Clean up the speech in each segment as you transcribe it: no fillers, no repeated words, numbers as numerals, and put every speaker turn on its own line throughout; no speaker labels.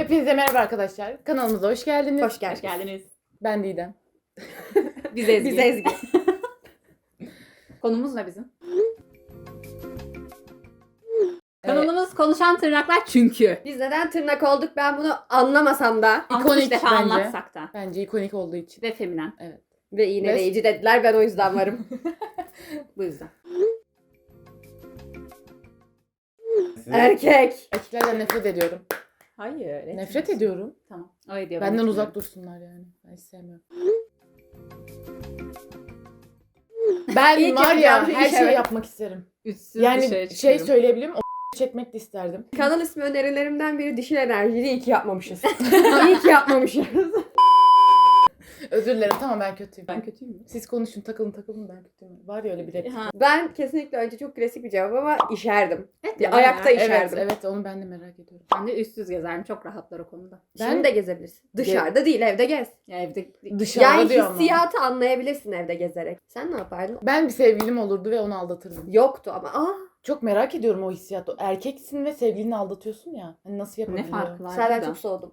Hepinize merhaba arkadaşlar. Kanalımıza hoş geldiniz.
Hoş geldiniz.
Ben Didem.
Biz Ezgi.
Biz Ezgi.
Konumuz ne bizim? Kanalımız konuşan tırnaklar çünkü.
Biz neden tırnak olduk ben bunu anlamasam da.
İkonik defa
bence.
anlatsak da.
Bence ikonik olduğu için.
Ve feminen.
Ve iğneleyici dediler, ben o yüzden varım.
Bu yüzden.
Erkek.
Erkeklerden nefret ediyorum.
Hayır.
Nefret ediyorum.
Tamam. O ediyor.
Benden uzak dursunlar yani. Ben hiç sevmiyorum. Ben
İlk
var ya
yapacağım
her
iş,
şeyi
evet.
yapmak isterim.
Üstsüz
Yani
dışarı
şey
çıkıyorum.
söyleyebilirim. Çekmek de isterdim.
Kanal ismi önerilerimden biri dişil enerjili. İyi ki yapmamışız. İyi ki yapmamışız.
Özür dilerim. Tamam ben kötüyüm.
Ben kötüyüm mü?
Siz konuşun takılın ben kötüyüm. Var ya öyle bir replik.
Ha.
Ben kesinlikle önce çok klasik bir cevap ama işerdim.
Evet,
Ya, ayakta
ya.
işerdim.
Evet onu ben de merak ediyorum.
Ben de üstsüz gezerim. Çok rahatlar o konuda.
Şimdi de gezebilirsin. Dışarıda değil, evde gez.
Ya evde
Dışarıda
Yani
diyor ama.
hissiyatı anlayabilirsin evde gezerek. Sen ne yapardın?
Ben bir sevgilim olurdu ve onu aldatırdım.
Yoktu ama.
Çok merak ediyorum o hissiyatı. Erkeksin ve sevgilini aldatıyorsun ya. Hani nasıl
ne
yapabiliyor?
farkı var?
Senden
burada?
çok soğudum.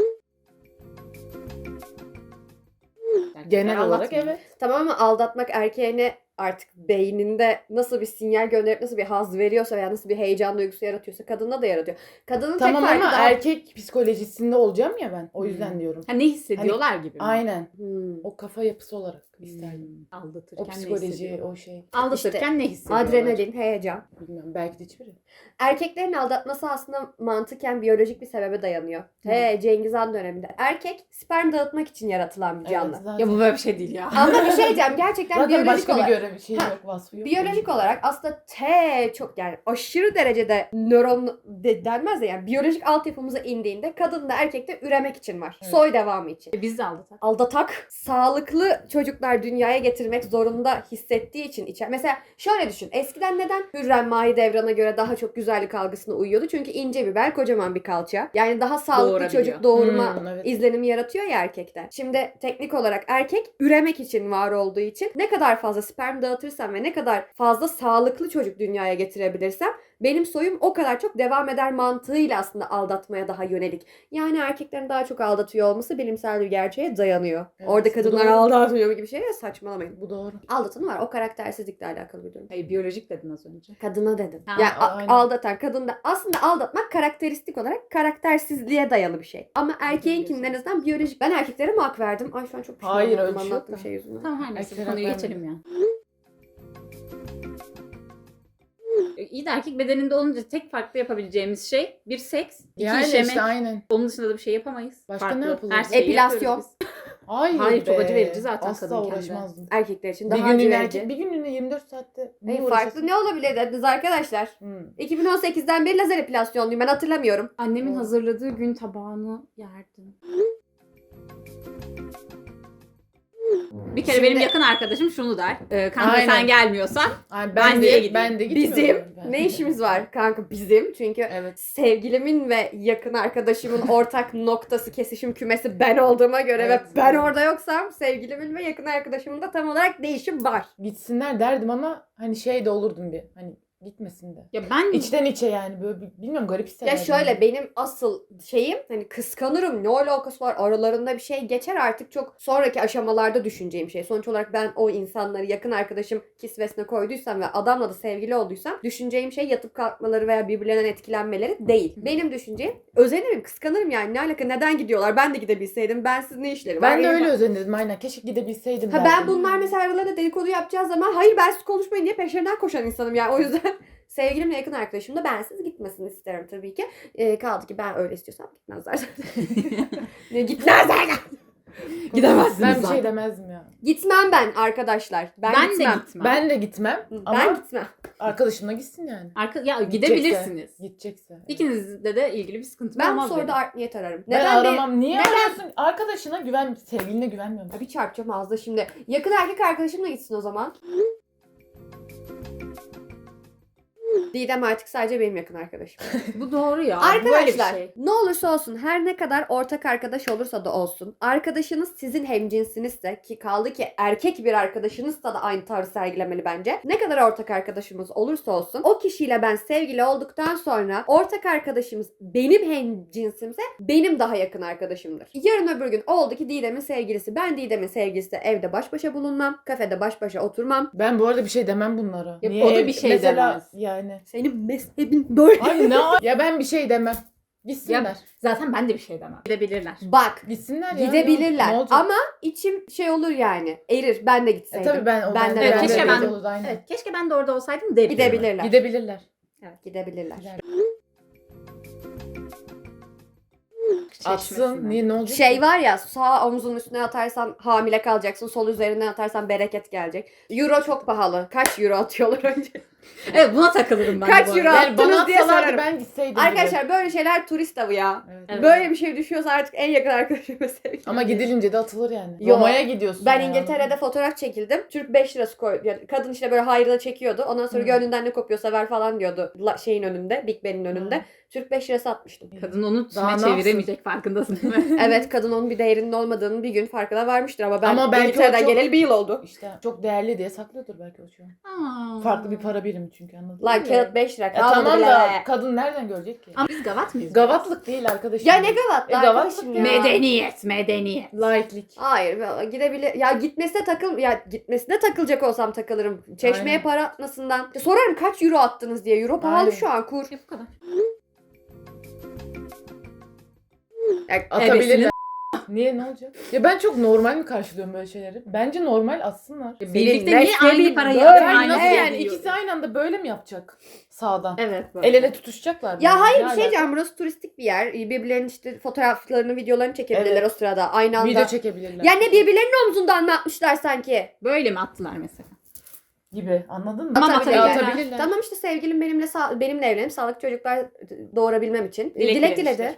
Erkekler
Genel olarak
anlatmıyor.
evet.
Tamam ama aldatmak erkeğine artık beyninde nasıl bir sinyal gönderip nasıl bir haz veriyorsa veya nasıl bir heyecan duygusu yaratıyorsa kadında da yaratıyor. Kadının
Tamam
tek farkı
ama
daha...
erkek psikolojisinde olacağım ya ben. O yüzden diyorum.
Ha, ne hissediyorlar gibi mi?
Aynen.
Hmm.
O kafa yapısı olarak isterdim.
Aldatırken
O
ne
psikoloji,
hissediyorlar?
o şey.
Aldatırken ne hissediyorlar?
Adrenalin, heyecan.
Bilmiyorum. Belki de hiçbiri.
Erkeklerin aldatması aslında mantıken biyolojik bir sebebe dayanıyor. Cengiz Han döneminde. Erkek sperm dağıtmak için yaratılan bir canlı.
Evet, zaten.
Ya bu böyle bir şey değil ya.
Ama bir şey diyeceğim, gerçekten
Zaten
biyolojik
başka
olarak.
bir görev şey yok, vasfı yok.
Biyolojik olarak aslında çok yani aşırı derecede nöron denmez de yani biyolojik altyapımıza indiğinde kadın da erkek de üremek için var.
Evet.
Soy devamı için.
Biz de aldatak.
Aldatak sağlıklı çocuklar dünyaya getirmek zorunda hissettiği için içer. Mesela şöyle düşün. Eskiden neden Hürrem Mahidevran'a göre daha çok güzellik algısına uyuyordu? Çünkü ince biber, kocaman bir kalça. Yani daha sağlıklı
Doğurabiliyor.
çocuk doğurma
Evet.
izlenimi yaratıyor ya erkekte. Şimdi teknik olarak erkek üremek için var olduğu için ne kadar fazla sperm dağıtırsam ve ne kadar fazla sağlıklı çocuk dünyaya getirebilirsem benim soyum o kadar çok devam eder mantığıyla aslında aldatmaya daha yönelik. Yani erkeklerin daha çok aldatıyor olması bilimsel bir gerçeğe dayanıyor.
Evet,
Orada
bu
kadınlar
doğru.
aldatmıyor gibi şey ya, saçmalamayın.
Bu doğru.
Aldatanı var. O karaktersizlikle alakalı bir durum.
Hayır, biyolojik dedin az önce.
Kadına dedim.
Ha,
Yani
aynen.
aldatan kadında aslında aldatmak karakteristik olarak karaktersizliğe dayalı bir şey. Ama erkeğinkinin en azından biyolojik. Ben erkeklere mi hak verdim? Ay şu an çok pişman
Hayır,
oldum
öyle bir şey yok
anlattığım
da.
şey yüzünden.
Tamam, her neyse, bu
Erkekler
konuyu
hak
geçelim ya.
vermiyor.
İyi de erkek bedeninde olunca tek farklı yapabileceğimiz şey bir seks, iki
Yani
işemek.
işte aynen.
Onun dışında da bir şey yapamayız.
Başka
Farklı.
ne yapılır?
Her şeyi
Epilasyon.
yapıyoruz biz.
Hayır
çok
be.
acı verici zaten
Asla
kadınken de.
uğraşmazdım.
Erkekler için
Bir
daha acı
günlüğüne
verici.
bir günlüğüne 24 saatte. niye
Farklı
uğraşasın?
ne olabilir dediniz arkadaşlar? 2018'den beri lazer epilasyonluyum, ben hatırlamıyorum.
Annemin
Evet.
hazırladığı gün tabağını yerdim. Bir kere
Şimdi-
benim yakın arkadaşım şunu der. Kanka
Aynen.
sen gelmiyorsan
Ay,
Ben niye gideyim?
Ben de gitmiyorum.
Bizim
Ben.
ne işimiz var kanka bizim? Çünkü
Evet.
sevgilimin ve yakın arkadaşımın ortak noktası, kesişim kümesi ben olduğuma göre
Evet.
ve ben orada yoksam sevgilimin ve yakın arkadaşımın da tam olarak değişim var.
Gitsinler derdim ama hani şey de olurdum bir. Hani gitmesin de.
ya ben
İçten içe yani böyle bilmiyorum garip
Ya
hissederdim.
şöyle benim asıl şeyim hani kıskanırım, ne alakası var, aralarında bir şey geçer, artık çok sonraki aşamalarda düşüneceğim şey. Sonuç olarak ben o insanları yakın arkadaşım kisvesine koyduysam ve adamla da sevgili olduysam düşüneceğim şey yatıp kalkmaları veya birbirlerinden etkilenmeleri değil. Benim düşüncem özenirim, kıskanırım yani, ne alaka, neden gidiyorlar, ben de gidebilseydim, bensiz ne işleri var.
Ben de
Benim-
öyle özenirdim aynen. Keşke gidebilseydim
Ha,
derdim.
ben bunlar mesela aralarında dedikodu yapacağı zaman hayır bensiz konuşmayın diye peşlerinden koşan insanım yani, o yüzden sevgilimle yakın arkadaşım da bensiz gitmesini isterim tabii ki. Kaldı ki ben öyle istiyorsam gitmezler zaten. Ne gitmezler?
Gidemezsiniz
Ben bir
zaten.
şey demezdim ya.
Gitmem ben arkadaşlar. Ben
de
gitmem.
gitmem.
Ben de gitmem ama
Ben gitmem.
arkadaşımla gitsin yani.
Ya gidebilirsiniz.
Gidecekse.
İkinizde de ilgili bir sıkıntı
Ben
olmaz
sonra
benim.
da art niyet ararım.
Ben
Neden
aramam. Niye
neden-
arıyorsun? Arkadaşına güven, sevgiline güvenmiyorum.
Bir çarpacağım ağzına şimdi. Yakın erkek arkadaşımla gitsin o zaman. Didem artık sadece benim yakın arkadaşım.
Bu doğru ya. Böyle bir
Arkadaşlar
şey.
ne olursa olsun her ne kadar ortak arkadaş olursa da olsun arkadaşınız sizin hemcinsinizse ki kaldı ki erkek bir arkadaşınızsa da aynı tarzı sergilemeli bence. Ne kadar ortak arkadaşımız olursa olsun o kişiyle ben sevgili olduktan sonra ortak arkadaşımız benim hemcinsimse benim daha yakın arkadaşımdır. Yarın öbür gün oldu ki Didem'in sevgilisi, ben Didem'in sevgilisi evde baş başa bulunmam, kafede baş başa oturmam.
Ben bu arada bir şey demem bunlara.
Ya, o da bir şey
mesela,
demez.
yani.
Senin mezhebin böyle.
Ay ne ya ben bir şey demem. Gitsinler.
Ya, zaten ben de bir şey demem. Gidebilirler.
Bak
Gitsinler ya.
gidebilirler
Ne olacak?
ama içim şey olur yani erir ben de gitseydim.
Tabii ben o
Ben de-
Evet,
ben de
keşke
öyle
ben-
olurdu, aynen.
Evet, keşke ben de orada olsaydım derim.
Gidebilirler.
Gidebilirler.
Gidebilirler.
Gider.
Çeşmesinden.
Atsın. Niye ne olacak?
Şey var ya sağ omzunun üstüne atarsan hamile kalacaksın. Sol üzerine atarsan bereket gelecek. Euro çok pahalı. Kaç euro atıyorlar önce?
Evet, buna takılırım ben.
Kaç
de bu
euro?
arada.
Yani bana
Attınız diye
atsalardı
sorarım.
ben gitseydim.
Arkadaşlar böyle şeyler turist avı ya.
gibi. Evet.
Evet.
Böyle bir şey düşüyorsa artık en yakın arkadaşıma sevgilim.
Ama gidilince de atılır yani.
Yo.
Roma'ya gidiyorsun.
Ben
ya.
İngiltere'de fotoğraf çekildim. Türk 5 lirası koydu. Yani kadın işte böyle hayrına çekiyordu. Ondan sonra
Hı.
gönlünden ne kopuyorsa ver falan diyordu. Şeyin önünde. Big Ben'in önünde.
Hı.
Türk 5 lirası atmıştım.
Kadın onu
Daha
tüme
ne
çeviremeyecek, farkındasın değil mi?
Evet kadın onun bir değerinin olmadığının bir gün farkına varmıştır ama ben
Ama belki
İngiltere'den
o çok-
geleli bir yıl oldu.
İşte çok değerli diye saklıyordur belki o şu an.
Aa.
Farklı bir para birimi çünkü, anladın mı?
Lan kağıt 5 lira
Ya
kalmadı
tamam
bile.
da kadın nereden görecek ki?
Ama biz gavat mıyız?
Gavatlık değil arkadaşım.
Ya ne gavatlı
gavatlık
arkadaşım ya.
Medeniyet, medeniyet.
Laiklik.
Hayır gidebilir. Ya gitmesine takılacak olsam takılırım. Çeşmeye
Aynen.
para atmasından. Ya sorarım kaç euro attınız diye. Euro pahalı
Aynen.
şu an kur.
Ya bu kadar.
Atabilirler. Niye, ne olacak? Ya ben çok normal mi karşılıyorum böyle şeyleri? Bence normal atsınlar.
Birlikte
Senin
niye aynı
mesleğin
parayı
böyle.
yapın,
Yani
aynı
nasıl
şeyi
yani?
yiyor?
İkisi aynı anda böyle mi yapacak? Sağdan.
Evet. Böyle.
El ele tutuşacaklar.
Ya
mı?
hayır
Ne
bir şey
alaka?
diyeceğim. Burası turistik bir yer. Birbirlerinin işte fotoğraflarını, videolarını çekebilirler
Evet.
o sırada. Aynı anda.
Video çekebilirler.
Ya ne birbirlerinin omzundan mı atmışlar sanki?
Böyle mi attılar mesela?
Gibi, anladın mı?
Tamam,
Atabilirler.
atabilirler.
Tamam işte sevgilim benimle evlenip sağlıklı çocuklar doğurabilmem için.
Dilek
Dilek
dilemiştir.
diledi.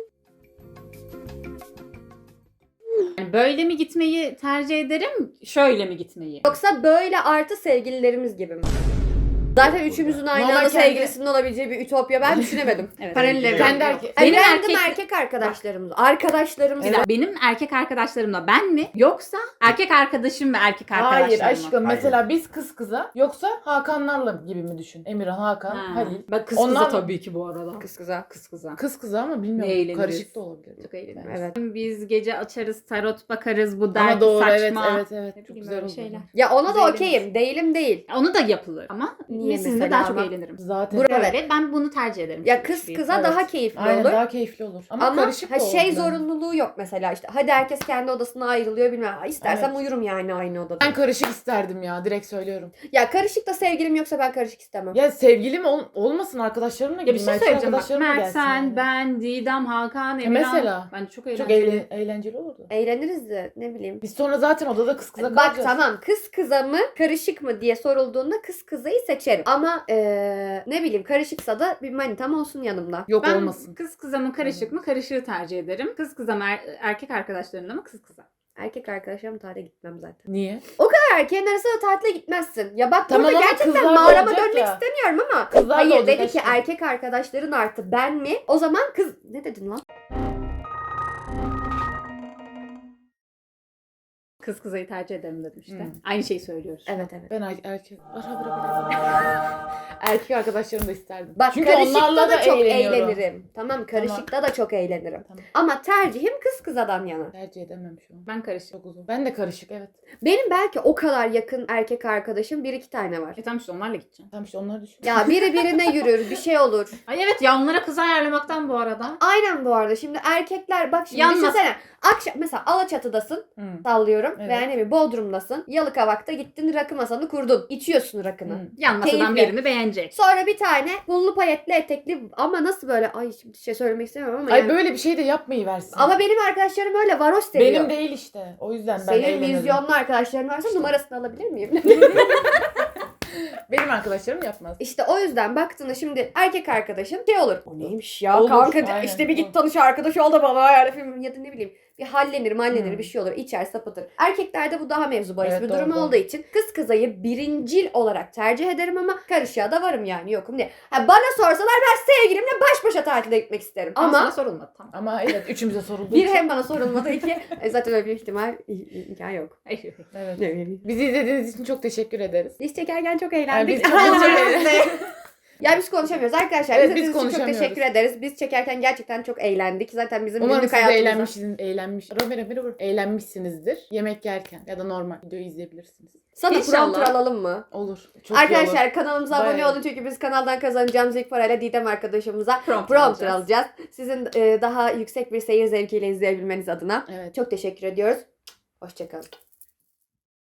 Yani böyle mi gitmeyi tercih ederim, şöyle mi gitmeyi?
Yoksa böyle artı sevgililerimiz gibi mi? Zaten üçümüzün aynı
Normal
anda
kendi-
sevgilisinin olabileceği bir ütopya ben düşünemedim.
Evet.
Paralel evren.
Kendi erkek.
Benim
Evlendim
erkek-
erkek arkadaşlarımla. Arkadaşlarımla.
Güzel. Benim erkek arkadaşlarımla ben mi? Yoksa erkek arkadaşım ve erkek arkadaşlarım
Hayır
mı?
aşkım,
Hayır.
mesela biz kız kıza, yoksa Hakanlarla gibi mi düşün? Emirhan, Hakan,
Ha.
Halil.
Ben kız
Onlar-
kıza tabii ki bu arada.
Kız kıza.
Kız kıza.
Kız kıza ama
Ne
bilmiyorum.
eğleniriz.
Karışık da olabilir.
Çok eğleniriz.
Evet.
Biz gece açarız, tarot bakarız, bu
Ama
dergi
doğru,
saçma.
evet.
Ne
Çok
bileyim,
güzel
böyle
oldu.
şeyler.
Ya ona da
Güzel
okeyim. Değilim değil.
Onu da yapılır ama
Niye
sizinle
mesela
daha çok
ama?
eğlenirim.
Zaten.
Böyle ben bunu tercih ederim.
Ya kız kıza
Evet.
daha keyifli
Aynen,
olur.
daha keyifli olur. Ama,
Ama
karışık da olur.
şey
yani.
zorunluluğu yok mesela işte. Hadi herkes kendi odasına ayrılıyor bilmem. İstersem
Evet.
uyurum yani aynı odada.
Ben karışık isterdim ya, direkt söylüyorum.
Ya karışık da sevgilim yoksa ben karışık istemem.
Ya sevgilim olmasın, arkadaşlarımla
Ya bir
gideyim.
şey
Erkek
söyleyeceğim bak.
arkadaşlarımla
Mert,
gelsin
sen,
yani.
ben, Didem, Hakan, Emirhan.
mesela.
Bence çok
Çok
eğlenceli.
eğlenceli olurdu.
Eğleniriz de ne bileyim.
Biz sonra zaten odada kız kıza
Bak
kalacağız.
tamam kız kıza mı karışık mı diye sorulduğunda kız kızayı seçerim. Ama ne bileyim karışıksa da bir manitam olsun yanımda.
Yok
Ben
olmasın.
kız kıza mı karışık mı? Karışığı tercih ederim. Kız kıza mı erkek arkadaşlarımla mı? Kız kıza.
Erkek arkadaşlarım tatile gitmem zaten.
Niye?
Erkeğin arasında tatile gitmezsin. Ya bak
Tamam
burada
ama
gerçekten
kızlar da
mağarama
olacak
dönmek
ya.
istemiyorum ama.
Kızlar da
Hayır
olacak
dedi ki
aşkım.
erkek arkadaşların artı ben mi? O zaman kız ne dedin lan?
Kız kızayı tercih ederim dedim işte.
Hmm.
Aynı şeyi söylüyoruz.
Evet evet.
Ben erkek... erkek arkadaşlarımı da isterdim.
Bak
Çünkü
karışıkta
onlarla
da çok
eğleniyorum.
eğlenirim. Tamam karışıkta da çok eğlenirim.
Tamam.
Ama tercihim kız kızadan yana.
Tercih edemem şu an.
Ben karışık.
Çok uzun. Ben de karışık, evet.
Benim belki o kadar yakın erkek arkadaşım 1-2 tane var.
Tamam işte onlarla gideceğim.
Tamam işte onları düşün.
Ya biri birine yürür bir şey olur.
Ay evet ya, onlara kız ayarlamaktan bu arada.
Aynen bu arada. Şimdi erkekler bak şimdi
Yalnız-
düşünsene. Akşam mesela Alaçatı'dasın.
Hı.
Sallıyorum.
Evet.
Veya ne bileyim Bodrum'dasın. Yalıkavak'ta gittin rakı masanı kurdun. İçiyorsun rakını.
Hı.
Yan masadan
Keyifli.
birini beğenecek.
Sonra bir tane pullu payetli etekli ama nasıl böyle ay şimdi şey söylemek istemiyorum ama
Ay
yani.
böyle bir şey de yapmayı versin.
Ama benim arkadaşlarım öyle varoş seviyor.
benim değil işte. O yüzden ben
Senin
eğlenirim.
vizyonlu arkadaşların varsa numarasını alabilir miyim?
Benim arkadaşlarım yapmaz.
İşte o yüzden baktığında şimdi erkek arkadaşın şey olur. O neymiş ya
Olur,
kanka
aynen.
işte bir git tanış arkadaş ol da bana ayarla film ya da ne bileyim. bir hallenir
Hmm.
bir şey olur. İçer sapıtır. Erkeklerde bu daha mevzu bahis
Evet,
bir
doğru,
durum
doğru.
olduğu için kız kızayı birincil olarak tercih ederim ama karışığa da varım yani yokum diye. Ha, bana sorsalar ben sevgilimle baş başa tatile gitmek isterim.
Ama sana
Ama
sorulmadı tamam.
Ama evet üçümüze soruldu.
bir hem bana sorulmadı iki zaten öyle bir ihtimal imkan yok.
Evet. Bizi izlediğiniz için çok teşekkür ederiz.
Biz çekerken çok
Yani
eğlendik.
biz çok eğlendik.
Ya biz konuşamıyoruz arkadaşlar.
Evet,
İzlediğiniz
biz
için çok
konuşamıyoruz.
teşekkür ederiz. Biz çekerken gerçekten çok eğlendik. Zaten bizim
Umarım
günlük
siz de
hayatımızda.
eğlenmişsinizdir. Yemek yerken ya da normal videoyu izleyebilirsiniz.
Sana
İnşallah.
prompter alalım mı?
Olur. Çok iyi olur.
Arkadaşlar kanalımıza abone
Bayağı.
olun çünkü biz kanaldan kazanacağımız ilk parayla Didem arkadaşımıza
Prompter
prompter
alacağız.
alacağız. Sizin daha yüksek bir seyir zevkiyle izleyebilmeniz adına.
Evet.
Çok teşekkür ediyoruz. Hoşçakalın.